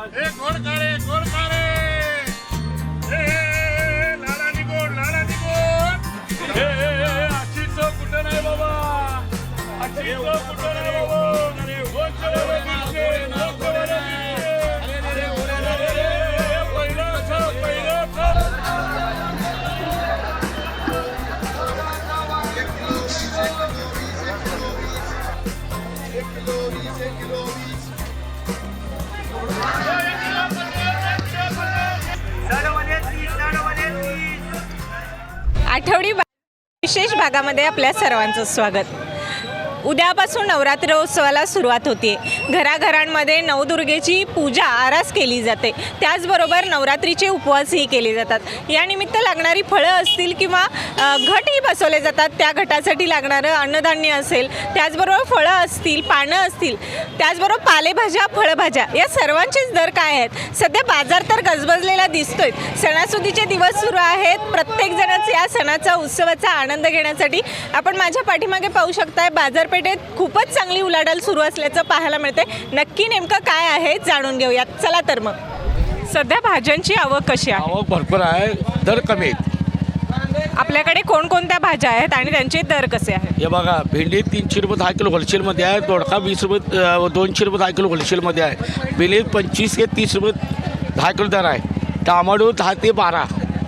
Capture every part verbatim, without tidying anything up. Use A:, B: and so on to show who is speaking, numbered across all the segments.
A: आठवडी विशेष भागामध्ये आपल्या सर्वांचं स्वागत। उद्यापासून नवरात्रोत्सवाला सुरुवात होते। घराघरांमध्ये नवदुर्गेची पूजा आरास केली जाते, त्याचबरोबर नवरात्रीचे उपवासही केले जातात। या निमित्त लागणारी फळं असतील किंवा घटही बसवले जातात, त्या घटासाठी लागणारं अन्नधान्य असेल, त्याचबरोबर फळं असतील, पानं असतील, त्याचबरोबर पालेभाज्या, फळभाज्या या सर्वांचेच दर काय आहेत? सध्या बाजार तर गजबजलेला दिसतोय। सणासुदीचे दिवस सुरू आहेत, प्रत्येकजणच या सणाचा उत्सवाचा आनंद घेण्यासाठी आपण माझ्या पाठीमागे पाहू शकताय बाजारपेठेत खूपच चांगली उलाढाल सुरू असल्याचं पाहायला मिळते। नक्की नेमकं काय आहे जाणून घेऊयात, चला तर मग। सध्या भाज्यांची आवक कशी आहे?
B: आवक भरपूर आहे, दर कमी आहेत।
A: आपल्याकडे कोणकोणत्या भाज्या आहेत आणि त्यांचे दर कसे आहेत?
B: हे बघा, भेंडी तीनशे रुपये दहा किलो होलसेलमध्ये आहे, दोडका वीस रुपये दोनशे रुपये दहा किलो होलसेलमध्ये आहे, बेली पंचवीस ते तीस रुपये दहा किलो दर आहे, टमाटो दहा ते बारा,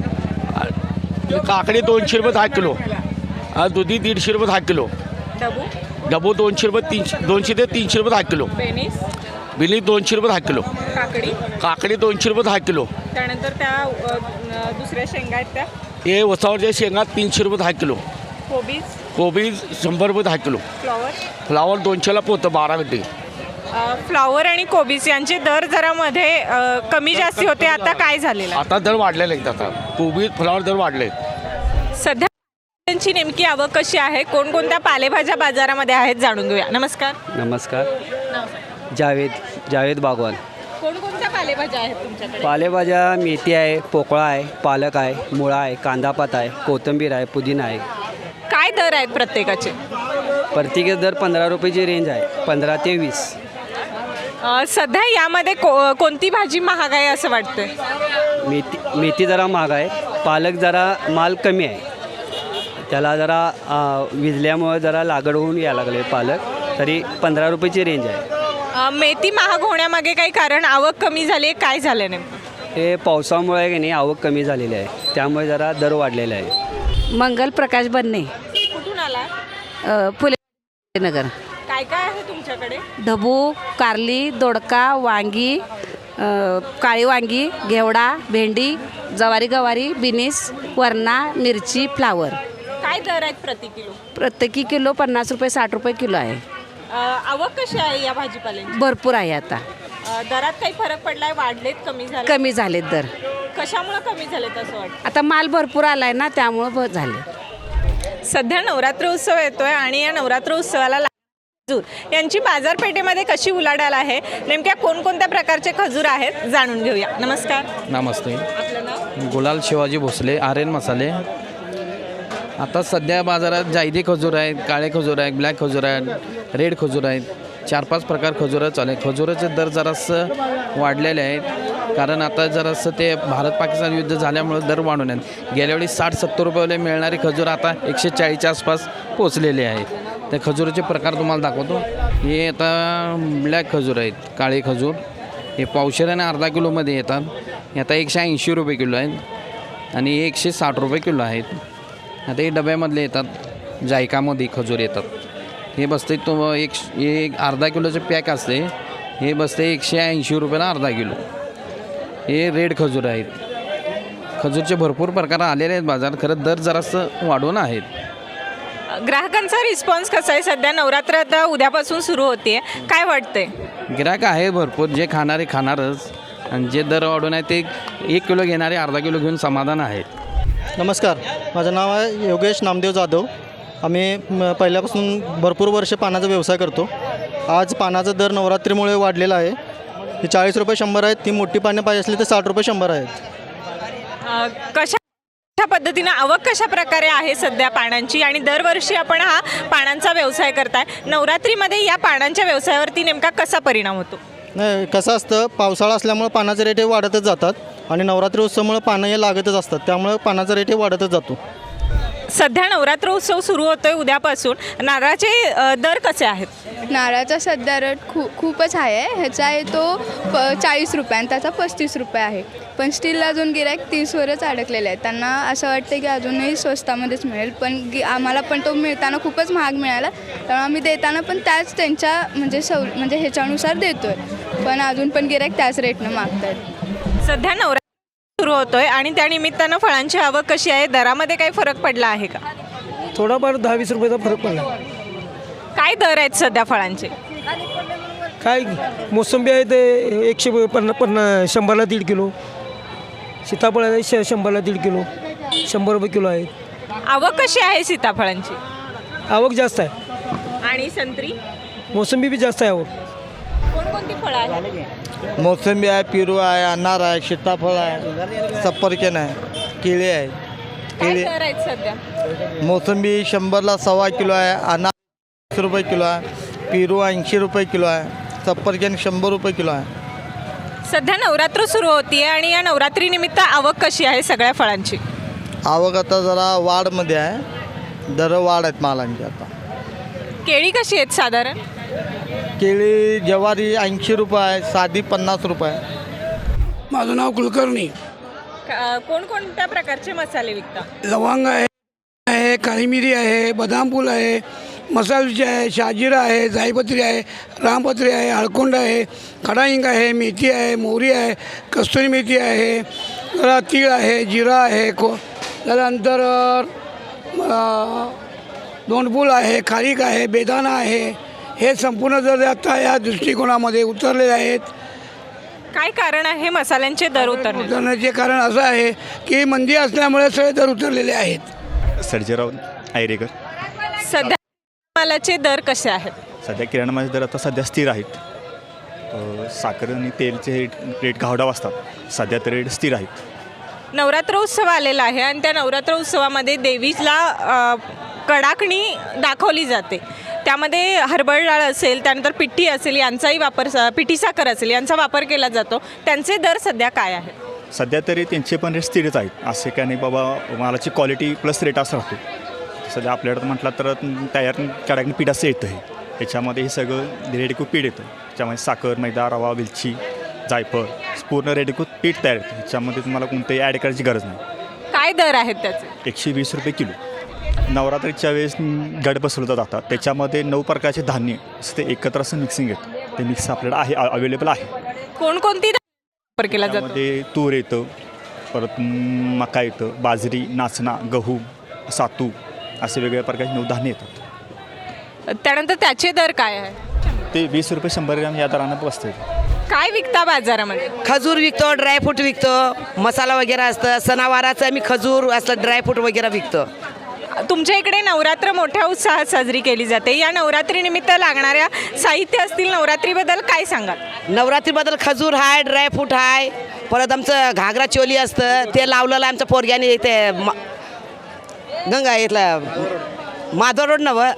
B: काकडी दोनशे रुपये दहा किलो, दुधी दीडशे रुपये दहा किलो,
A: डबू
B: डबू दोनशे रुपये तीनशे दोनशे ते तीनशे रुपये दहा किलो,
A: बेनीस
B: बेली दोनशे रुपये दहा किलो,
A: काकडी
B: काकडी दोनशे रुपये दहा किलो,
A: त्यानंतर त्या अ, न- दुसऱ्या शेंगा आहेत त्या
B: हे वसावरच्या शेंगा तीनशे रुपये दहा किलो,
A: कोबीज,
B: कोबी शंभर रुपये दहा किलो,
A: फ्लॉवर
B: फ्लावर दोनशेला पोतं बारा गड्डे।
A: अ, फ्लॉवर आणि कोबीज यांचे दर जरा मध्ये अ, कमी जास्ती होते, आता काय झालेलं आहे?
B: आता दर वाढलेले आहेत, आता कोबी फ्लावर दर वाढले।
A: सध्या भाज्यांची नेमकी आवक कशी आहे? कोणकोणत्या पालेभाज्या बाजारामध्ये आहेत जाणून घेऊया। नमस्कार।
C: नमस्कार, जावेद जावेद बागवान।
A: कोणकोणत्या पालेभाज्या आहेत तुमच्याकडे?
C: पालेभाज्या मेथी आहे, पोकळा आहे, पालक आहे, मुळा आहे, कांदापात आहे, कोथिंबीर आहे, पुदिना आहे।
A: काय दर आहेत प्रत्येकाचे?
C: प्रत्येकी दर पंधरा रुपयाची रेंज आहे, पंधरा ते वीस।
A: अ, सध्या यामध्ये को कोणती भाजी महाग आहे असं वाटतंय?
C: मेथी मेथी जरा महाग आहे, पालक जरा माल कमी आहे, त्याला जरा अ, विजल्यामुळे जरा लागड होऊन यायला लागले पालक, तरी पंधरा रुपयाची रेंज आहे।
A: अ, मेथी महाग होण्यामागे काही कारण, आवक कमी झाली आहे, काय झालं नेमकं?
C: हे पावसामुळे की नाही आवक कमी झालेली आहे, त्यामुळे जरा दर वाढलेला आहे।
D: मंगल प्रकाश बन्ने,
A: कुठून आला?
D: अ, फुले नगर।
A: काय काय आहे तुमच्याकडे?
D: ढबू, कारली, दोडका, वांगी, अ, काळी वांगी, घेवडा, भेंडी, जवारी गवारी, बिनीस, वरणा, मिरची, फ्लावर।
A: काय दर आहेत प्रति किलो?
D: प्रत्येकी किलो पन्नास रुपये साठ रुपये किलो आहे।
A: अ, आवक कशी आहे या भाजीपाल्यांची?
D: भरपूर आहे आता,
A: अ, दरात काही फरक पडलाय? वाढलेत, कमी झाले?
D: कमी झालेत दर,
A: कशामुळे कमी झालेत असं वाटतं?
D: आता माल भरपूर आला आहे ना, त्यामुळं ब- झाले।
A: सध्या नवरात्र उत्सव येतोय आणि या नवरात्र उत्सवाला खजूर यांची बाजारपेठेमध्ये कशी उलाढाल आहे, नेमक्या कोणकोणत्या प्रकारचे खजूर आहेत जाणून घेऊया। नमस्कार।
E: नमस्ते,
A: आपलं नाव?
E: गुलाल शिवाजी भोसले, आर्यन मसाले। आता सध्या बाजारात जायदी खजूर आहेत, काळे खजूर आहेत, ब्लॅक खजूर आहेत, रेड खजूर आहेत, चार पाच प्रकार खजूरं चालू आहेत। खजुराचे दर जरासं वाढलेले आहेत, कारण आता जरासं ते भारत पाकिस्तान युद्ध झाल्यामुळे दर वाढून आहेत। गेल्या वेळी साठ सत्तर रुपयाला मिळणारे खजूर आता एकशे चाळीसच्या आसपास पोचलेले आहेत। त्या खजुराचे प्रकार तुम्हाला दाखवतो। हे आता ब्लॅक खजूर आहेत, काळे खजूर, हे पावशेर आणि अर्धा किलोमध्ये येतात। हे आता एकशे ऐंशी रुपये किलो आहेत आणि एकशे साठ रुपये किलो आहेत। आता हे डब्यामधले येतात, जायकामध्ये खजूर येतात। हे बसते तो एक एक अर्धा किलोचे पॅक असते, हे बसते एकशे ऐंशी रुपयाला अर्धा किलो। हे रेड खजूर आहेत। खजूरचे भरपूर प्रकार आलेले आहेत बाजार, खरं दर जरासं वाढून आहेत।
A: ग्राहकांचा रिस्पॉन्स कसा आहे? सध्या नवरात्र आता उद्यापासून सुरू होते, काय वाटतंय?
E: गिराक आहे भरपूर, जे खाणारे खाणारच, आणि जे दर वाढून आहे ते एक किलो घेणारे अर्धा किलो घेऊन समाधान आहेत।
F: नमस्कार, माझं नाव आहे योगेश नामदेव जाधव। आम्ही म- पहिल्यापासून भरपूर वर्ष पानाचा व्यवसाय करतो। आज पानाचा दर नवरात्रीमुळे वाढलेला आहे। ही चाळीस रुपये शंभर आहेत, ती मोठी पाने पाहिजे असली तर साठ रुपये शंभर आहेत।
A: अ, कशा कशा पद्धतीनं आवक कशा प्रकारे आहे सध्या पानांची, आणि दरवर्षी आपण हा पानांचा व्यवसाय करताय, नवरात्रीमध्ये या पानांच्या व्यवसायावरती नेमका कसा परिणाम होतो?
F: नाही कसं असतं, पावसाळा असल्यामुळं पानाचे रेट हे वाढतच जातात आणि नवरात्री उत्सवामुळे पानं हे लागतच असतात, त्यामुळे पानाचा रेट हे वाढतच जातो.
A: सध्या नवरात्र उत्सव सुरू होतोय उद्यापासून. नारळाचे अ, दर कसे आहेत?
G: नारळाचा सध्या रेट खूप खूपच हाय आहे. ह्याचा आहे तो प चाळीस रुपये आणि त्याचा पस्तीस रुपये आहे. पण स्टील अजून गिराईक तीसवरच अडकलेले आहेत. त्यांना असं वाटतं की अजूनही स्वस्तामध्येच मिळेल, पण गी आम्हाला पण तो मिळताना खूपच महाग मिळाला, त्यामुळे आम्ही देताना पण त्याच त्यांच्या म्हणजे सव म्हणजे ह्याच्यानुसार देतो आहे, पण अजून पण गिराईक त्याच रेटनं मागत आहेत.
A: सध्या नवरात्र सुरू होतोय आणि त्या निमित्तानं फळांची आवक कशी आहे? दरामध्ये काही फरक पडला आहे का?
H: थोडाफार दहा वीस रुपयाचा फरक पडला.
A: काय दर आहेत सध्या फळांचे?
H: काय मोसंबी आहे ते एकशे पन्ना पन्ना शंभरला दीड किलो, सीताफळ आहे श शंभरला दीड किलो, शंभर रुपये किलो आहे.
A: आवक कशी आहे सीताफळांची?
H: आवक जास्त आहे.
A: आणि संत्री?
H: मोसंबी बी जास्त आहे आवक.
A: कोणकोणती फळं आहेत?
I: मोसंबी आहे, पेरू आहे, अनार आहे, सीताफळ आहे, सफरचंद आहे, केळी आहे.
A: काय
I: केळी
A: दर आहेत सध्या?
I: मोसंबी शंभरला सव्वा किलो आहे, अनार वीस रुपये किलो आहे, पेरू ऐंशी रुपये किलो आहे, सफरचंद शंभर रुपये किलो आहे.
A: सध्या नवरात्र सुरू होतीये आणि या नवरात्री निमित्त आवक कशी आहे सगळ्या फळांची?
I: आवक आता जरा वाढमध्ये आहे, दर वाढ आहेत मालांची. आता
A: केळी कशी आहेत साधारण?
I: केळी ज्वारी ऐंशी रुपये आहे, साधी पन्नास रुपये आहे.
J: माझं नाव कुलकर्णी.
A: क- कोणकोणत्या प्रकारचे मसाले विकता?
J: लवंग आहे आहे काळी मिरी आहे, बदाम फूल आहे, मसाल्याची आहे, शाजिरा आहे, जायपत्री आहे, रामपत्री आहे, हळकुंड आहे, खडा हिंग आहे, मेथी आहे, मोहरी आहे, कस्तुरी मेथी आहे, जरा तीळ आहे, जिरा आहे, को त्यानंतर अ, दोंडफूल आहे, खारीक आहे, बेदाणा आहे. हे संपूर्ण जर आता या दृष्टिकोनामध्ये उतरलेले आहेत.
A: काय कारण आहे मसाल्यांचे दर उतरणे?
J: उतरण्याचे कारण असं आहे की मंदी असल्यामुळे सगळे दर उतरलेले आहेत.
K: सर्जेराव आयरेकर.
A: सध्या मालाचे दर कसे आहेत?
K: सध्या किराणामालाचे दर आता सध्या स्थिर आहेत. अ, साखर आणि तेलचे रेट रेट घावडाव असतात, सध्या तर रेट स्थिर आहेत.
A: नवरात्र उत्सव आलेला आहे आणि त्या नवरात्र उत्सवामध्ये देवीला अ, कडाकणी दाखवली जाते. त्यामध्ये हरभरा डाळ असेल, त्यानंतर पिठी असेल, यांचाही वापर पिठी साखर असेल यांचा वापर केला जातो. त्यांचे दर सध्या काय आहेत?
K: सध्या तरी त्यांचे पण रेट स्थिरच आहेत. असे काय नाही बाबा मालाची क्वालिटी प्लस रेट असं राहतो. सध्या आपल्याकडं म्हटलं तर तयार कडाकणी पीठ असं येतं आहे. त्याच्यामध्ये हे सगळं रेडीको पीठ येतं. त्याच्यामध्ये साखर, मैदा, रवा, वेलची, जायफळ पूर्ण रेडीको पीठ तयार येतं. ह्याच्यामध्ये तुम्हाला कोणतंही ॲड करायची गरज नाही.
A: काय दर आहेत त्याचे?
K: एकशे वीस रुपये किलो. नवरात्रीच्या वेळेस गड बसवलं जातात, त्याच्यामध्ये नऊ प्रकारचे धान्य असं ते एकत्र असं मिक्सिंग येतं. ते मिक्स आपल्याला आहे अवेलेबल आहे.
A: कोणकोणती वापर केला जातो?
K: त्यामध्ये तूर येतं, परत मका येतं, बाजरी, नाचणा, गहू, सातू असे वेगवेगळ्या प्रकारचे नऊ धान्य येतात.
A: त्यानंतर त्याचे दर काय आहे?
K: ते वीस रुपये शंभर ग्रॅम या दरानं बसते.
A: काय विकता बाजारामध्ये?
L: खजूर विकतो, ड्रायफ्रूट विकतो, मसाला वगैरे असतं. सणावाराचं आम्ही खजूर असलं ड्रायफ्रूट वगैरे विकतो.
A: तुमच्या इकडे नवरात्र मोठ्या उत्साहात साजरी केली जाते. या नवरात्रीनिमित्त लागणाऱ्या साहित्य असतील, नवरात्रीबद्दल काय सांगाल?
L: नवरात्रीबद्दल खजूर आहे, ड्रायफ्रूट आहे, परत आमचं घागरा चोली असतं ते लावलेलं आमच्या पोरग्याने ते मा गंगा इथलं माधव रोड नवं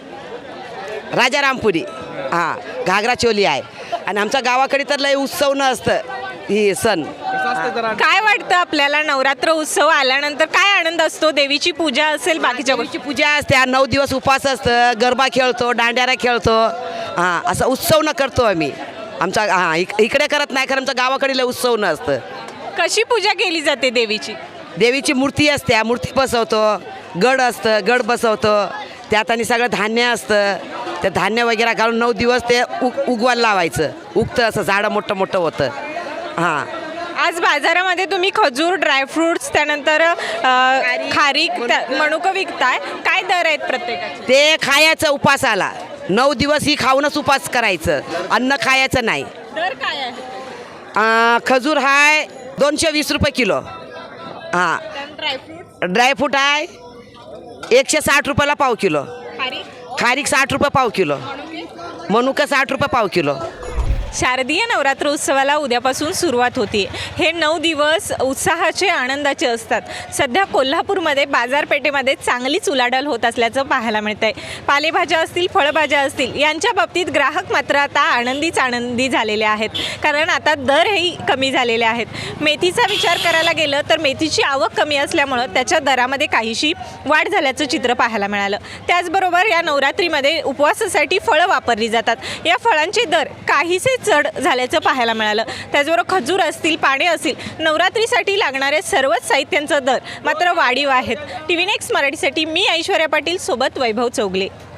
L: राजारामपुरी हां घागरा चोली आहे. आणि आमच्या गावाकडे तर लय उत्सव न असतं ही सण.
A: काय वाटतं आपल्याला नवरात्र उत्सव आल्यानंतर काय आनंद असतो? देवीची पूजा असेल, बाकीच्या गोष्टी?
L: देवीची पूजा असते, नऊ दिवस उपास असतं, गरबा खेळतो, दांड्यारा खेळतो. हां असं उत्सव न करतो आम्ही. आमच्या हां इक इकडे करत नाही, कारण आमच्या गावाकडे लय उत्सव न असतं.
A: कशी पूजा केली जाते देवीची?
L: देवीची मूर्ती असते, मूर्ती बसवतो, गड असतं, गड बसवतो. त्यात आणि सगळं धान्य असतं, ते धान्य वगैरे घालून नऊ दिवस ते उग उगवायला लावायचं. उगतं असं झाडं मोठं मोठं होतं. हां
A: आज बाजारामध्ये तुम्ही खजूर, ड्रायफ्रुट्स, त्यानंतर अ, खारीक, त्या- मनुकं विकताय. काय दर आहेत प्रत्येकाचे?
L: ते खायचं उपासाला. नऊ दिवस ही खाऊनच उपास करायचं, अन्न खायचं नाही.
A: दर काय आहे?
L: आ, खजूर आहे दोनशे वीस रुपये किलो. हां
A: ड्रायफ्रुट्स,
L: ड्रायफ्रूट आहे एकशे साठ रुपयाला पाव किलो.
A: खारीक,
L: खारीक साठ रुपये पाव किलो. मनुका साठ रुपये पाव किलो.
A: शारदीय नवरात्र उत्सवाला उद्यापासून सुरुवात होती. हे नऊ दिवस उत्साहाचे आनंदाचे असतात. सध्या कोल्हापूरमध्ये बाजारपेठेमध्ये चांगलीच उलाढाल होत असल्याचं पाहायला मिळत आहे. पालेभाज्या असतील, फळभाज्या असतील, यांच्या बाबतीत ग्राहक मात्र आता आनंदीच आनंदी झालेले आहेत, कारण आता दरही कमी झालेले आहेत. मेथीचा विचार करायला गेलं तर मेथीची आवक कमी असल्यामुळं त्याच्या दरामध्ये काहीशी वाढ झाल्याचं चित्र पाहायला मिळालं. त्याचबरोबर या नवरात्रीमध्ये उपवासासाठी फळं वापरली जातात. या फळांचे दर काहीसे चढ झाल्याचं पाहायला मिळालं. त्याचबरोबर खजूर असतील, पाने असतील, नवरात्रीसाठी लागणारे सर्वच साहित्यांचा दर मात्र वाढीव आहेत. टी व्ही नेक्स्ट मराठीसाठी मी ऐश्वर्या पाटील सोबत वैभव चौगले.